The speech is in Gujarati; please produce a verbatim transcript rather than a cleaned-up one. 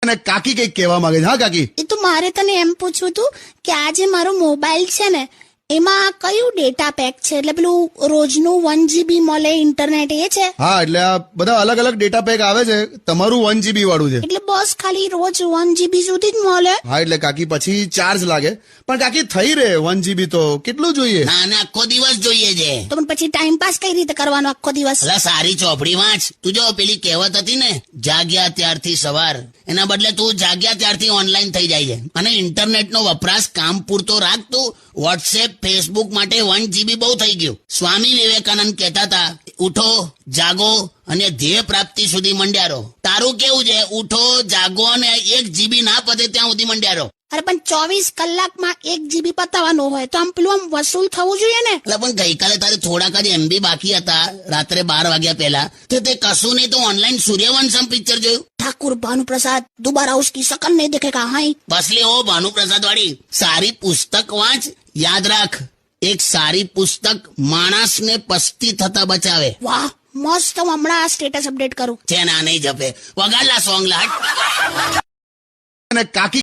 અને કાકી કઈક કહેવા માંગે છે. હા કાકી, એ તો મારે તને એમ પૂછવું હતું કે આ જે મારો મોબાઈલ છે ને એમાં કયું ડેટા પેક છે, એટલે પેલું રોજનું વન જીબી મળે ઇન્ટરનેટ એ છે? હા એટલે આ બધા અલગ અલગ ડેટા પેક આવે છે. તમારું વન જીબી વાળું છે. એટલે બસ ખાલી રોજ વન જીબી સુધી જ મળે? હા એટલે કાકી પછી ચાર્જ લાગે, પણ કાકી થઈ રહે વન જીબી તો કેટલું જોઈએ? ના ના આખો દિવસ જોઈએ છે. તો પણ પછી ટાઈમ પાસ કઈ રીતે કરવાનો આખો દિવસ? અલા સારી ચોપડી વાંચ. તું જો પેલી કહેવત હતી ને, જાગ્યા ત્યારથી સવાર, એના બદલે તું જાગ્યા ત્યારથી ઓનલાઈન થઈ જાય છે. અને ઇન્ટરનેટ નો વપરાશ કામ પૂરતો રાખ. તું વોટ્સએપ ફેસબુક માટે વન જીબી બહુ થઈ ગયું. સ્વામી વિવેકાનંદ કહેતા હતા, ઉઠો જાગો અને ધ્યેય પ્રાપ્તિ સુધી મંડ્યા રહો. તારું કેવું છે? ઉઠો જાગો અને એક જીબી ના પતે ત્યાં સુધી મંડ્યા રહો. અરે પણ ચોવીસ કલાકમાં એક જીબી પતાવવાનું હોય તો આમ પેલું આમ વસૂલ થવું જોઈએ ને. એટલે પણ ગઈકાલે તારે થોડાક જ એમબી બાકી હતા રાત્રે બાર વાગ્યા પહેલા, તો તે કશું નહીં તો ઓનલાઈન સૂર્યવંશમ પિક્ચર જોયું. ઠાकुर भानुप्रसाद दोबारा उसकी शकल नहीं दिखेगा. हाई બસલી ઓ ભાનુપ્રસાદ વાળી સારી પુસ્તક વાંચ. યાદ રાખ, એક સારી પુસ્તક માણસને પસ્તી થતા બચાવે. વાહ મસ્ત. હું હમણાં આ સ્ટેટસ અપડેટ કરું. છે ના નહીં જપે. વગાડલા સોંગ લાટ. અને કાકી